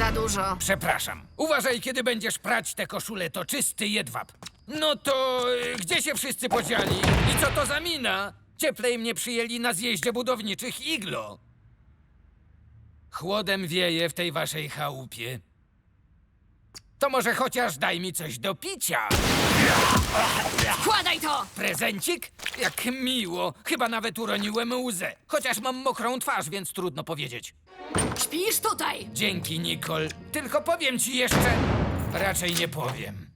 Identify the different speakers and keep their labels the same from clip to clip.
Speaker 1: Za dużo.
Speaker 2: Przepraszam. Uważaj, kiedy będziesz prać tę koszulę, to czysty jedwab. No to gdzie się wszyscy podzieli? I co to za mina? Cieplej mnie przyjęli na zjeździe budowniczych Iglo. Chłodem wieje w tej waszej chałupie. To może chociaż daj mi coś do picia.
Speaker 1: Wkładaj to!
Speaker 2: Prezencik? Jak miło. Chyba nawet uroniłem łzę. Chociaż mam mokrą twarz, więc trudno powiedzieć.
Speaker 1: Śpisz tutaj!
Speaker 2: Dzięki, Nicole. Tylko powiem ci jeszcze... Raczej nie powiem.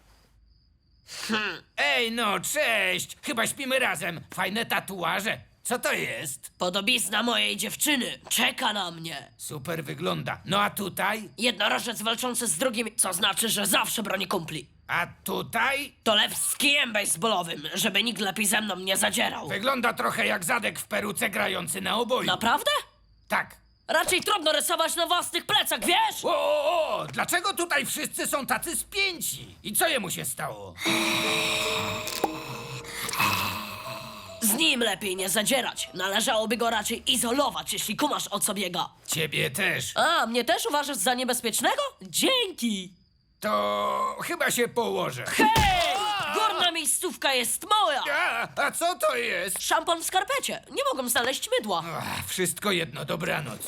Speaker 2: Ej, no, cześć! Chyba śpimy razem. Fajne tatuaże. Co to jest?
Speaker 3: Podobizna mojej dziewczyny czeka na mnie.
Speaker 2: Super wygląda. No a tutaj?
Speaker 3: Jednorożec walczący z drugim, co znaczy, że zawsze broni kumpli.
Speaker 2: A tutaj?
Speaker 3: To lew z kijem baseballowym, żeby nikt lepiej ze mną nie zadzierał.
Speaker 2: Wygląda trochę jak zadek w peruce grający na oboju.
Speaker 3: Naprawdę?
Speaker 2: Tak.
Speaker 3: Raczej trudno rysować na własnych plecach, wiesz?
Speaker 2: O, dlaczego tutaj wszyscy są tacy spięci? I co jemu się stało?
Speaker 3: Z nim lepiej nie zadzierać. Należałoby go raczej izolować, jeśli kumasz o co biega.
Speaker 2: Ciebie też.
Speaker 3: A, mnie też uważasz za niebezpiecznego? Dzięki!
Speaker 2: To chyba się położę.
Speaker 3: Hej! Górna miejscówka jest moja!
Speaker 2: A co to jest?
Speaker 3: Szampon w skarpecie. Nie mogłem znaleźć mydła.
Speaker 2: Wszystko jedno, dobranoc.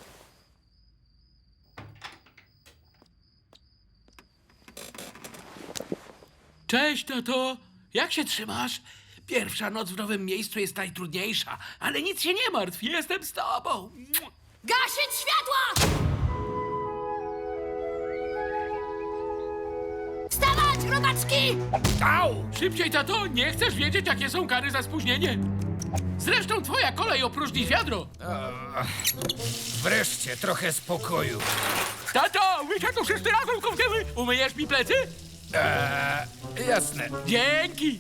Speaker 4: Cześć, tato! Jak się trzymasz? Pierwsza noc w nowym miejscu jest najtrudniejsza, ale nic się nie martw, jestem z tobą.
Speaker 1: Gasić światła! Wstawać, chłopaczki!
Speaker 2: Au!
Speaker 4: Szybciej, tato, nie chcesz wiedzieć, jakie są kary za spóźnienie. Zresztą twoja kolej opróżni wiadro.
Speaker 2: Wreszcie trochę spokoju.
Speaker 4: Tato, my się tu wszyscy razem kąpiemy. Umyjesz mi plecy?
Speaker 2: Jasne.
Speaker 4: Dzięki.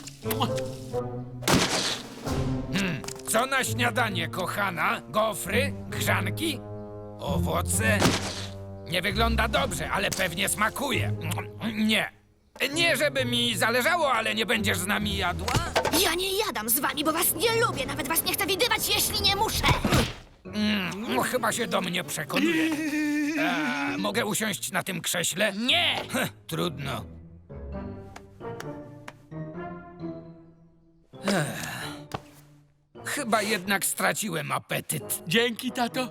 Speaker 2: Co na śniadanie, kochana? Gofry? Grzanki? Owoce? Nie wygląda dobrze, ale pewnie smakuje. Nie. Nie, żeby mi zależało, ale nie będziesz z nami jadła?
Speaker 1: Ja nie jadam z wami, bo was nie lubię. Nawet was nie chcę widywać, jeśli nie muszę.
Speaker 2: No, chyba się do mnie przekonuje. Mogę usiąść na tym krześle?
Speaker 3: Nie!
Speaker 2: Trudno. Chyba jednak straciłem apetyt.
Speaker 4: Dzięki, tato.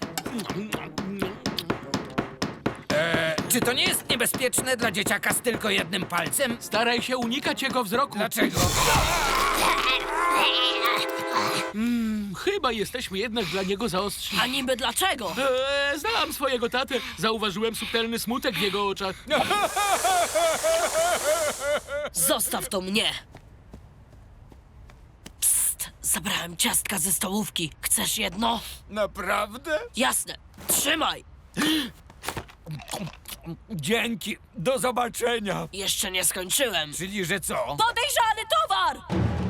Speaker 2: Czy to nie jest niebezpieczne dla dzieciaka z tylko jednym palcem?
Speaker 4: Staraj się unikać jego wzroku.
Speaker 2: Dlaczego?
Speaker 4: Chyba jesteśmy jednak dla niego zaostrzy.
Speaker 3: A niby dlaczego?
Speaker 4: Znam swojego tatę. Zauważyłem subtelny smutek w jego oczach.
Speaker 3: Zostaw to mnie! Psst, zabrałem ciastka ze stołówki. Chcesz jedno?
Speaker 2: Naprawdę?
Speaker 3: Jasne, trzymaj!
Speaker 2: Dzięki. Do zobaczenia.
Speaker 3: Jeszcze nie skończyłem.
Speaker 2: Czyli, że co?
Speaker 3: Podejrzany towar!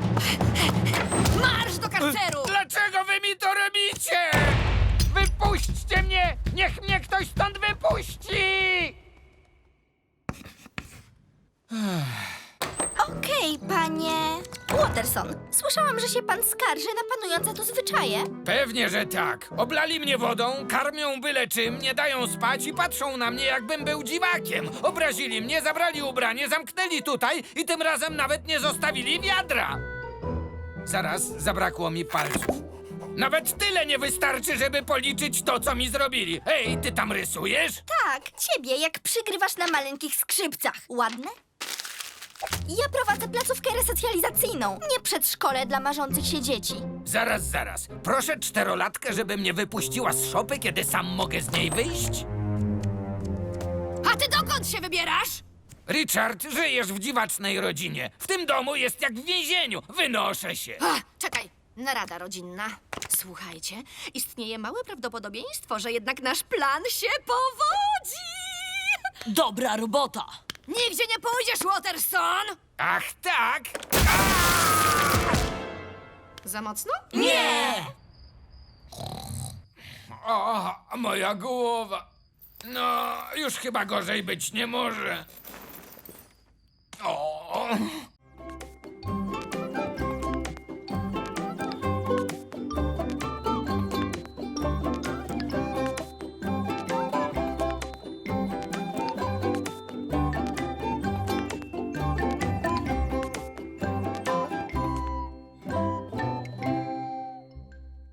Speaker 1: Marsz do karceru!
Speaker 2: Dlaczego wy mi to robicie? Wypuśćcie mnie! Niech mnie ktoś stąd wypuści!
Speaker 5: Okej, panie Watterson. Słyszałam, że się pan skarży na panujące tu zwyczaje.
Speaker 2: Pewnie, że tak. Oblali mnie wodą, karmią byle czym, nie dają spać i patrzą na mnie, jakbym był dziwakiem. Obrazili mnie, zabrali ubranie, zamknęli tutaj i tym razem nawet nie zostawili wiadra. Zaraz, zabrakło mi palców. Nawet tyle nie wystarczy, żeby policzyć to, co mi zrobili. Ej, ty tam rysujesz?
Speaker 5: Tak, ciebie, jak przygrywasz na maleńkich skrzypcach. Ładne? Ja prowadzę placówkę resocjalizacyjną, nie przedszkole dla marzących się dzieci.
Speaker 2: Zaraz. Proszę czterolatkę, żeby mnie wypuściła z szopy, kiedy sam mogę z niej wyjść?
Speaker 1: A ty dokąd się wybierasz?
Speaker 2: Richard, żyjesz w dziwacznej rodzinie. W tym domu jest jak w więzieniu. Wynoszę się.
Speaker 1: Czekaj, narada rodzinna. Słuchajcie, istnieje małe prawdopodobieństwo, że jednak nasz plan się powodzi.
Speaker 3: Dobra robota!
Speaker 1: Nigdzie nie pójdziesz, Watterson!
Speaker 2: Ach tak?
Speaker 1: Za mocno?
Speaker 3: Nie!
Speaker 2: O, moja głowa. No, już chyba gorzej być nie może. O.